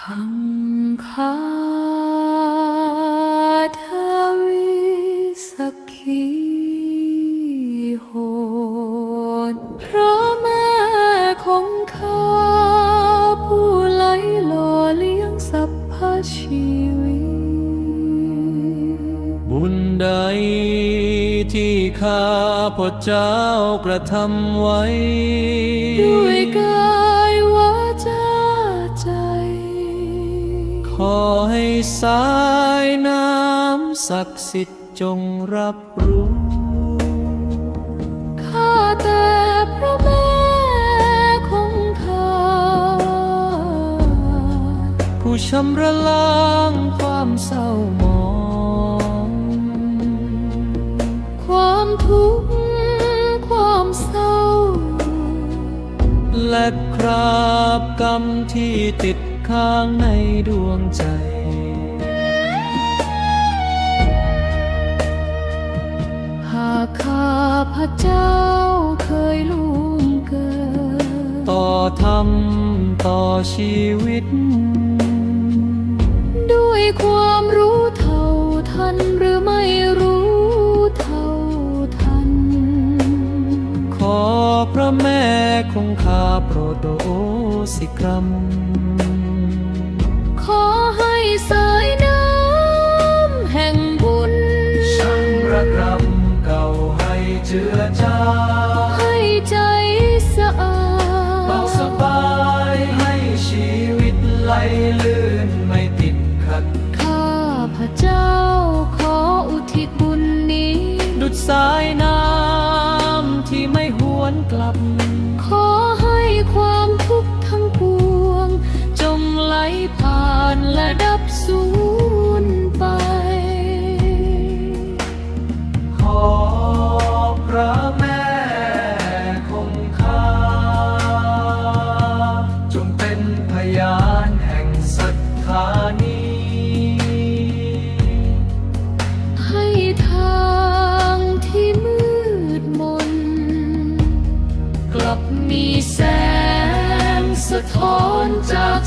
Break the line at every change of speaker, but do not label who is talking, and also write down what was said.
คังคาทวิสักขีโหดพระแม่คงคาผู้ไหลหล่อเลี้ยงสรรพชีวิต
บุญใดที่ข้าพเจ้ากระทำไว้
ด้วยกายวาจาใจ
ขอให้สายน้ำศักดิ์สิทธิ์จงรับรู้
ข้าแต่พระแม่คงคา
ผู้ชำระล้างความเศร้าหมอง
ความทุกข์ความเศร้า
และคราบกรรมที่ติดค้างในดวงใจ
หากข้าพระเจ้าเคยล่วงเกิน
ต่อธรรมต่อชีวิต
ด้วยความรู้เท่าทันหรือไม่รู้เท่าทัน
ขอพระแม่คงคาโปรดโอสิกรรม
ขอให้สายน้ำแห่งบุญ
ชำระกรรมเก่าให้เจือจาง
ให้ใจสะอาด
เบาสบายให้ชีวิตไหลลื่นไม่ติดขัด
ข้าพระเจ้าขออุทิศบุญนี้
ดุจสายน้ำที่ไม่หวนกลับ
ขอให้ความทุกข์ทั้งปวงจงไหลผ่านและดับสูญไป
ขอพระแม่คงคาจงเป็นพยานแห่งศรัทธานี้
ให้ทางที่มืดมนกลับมีแสงสะท้อนจาก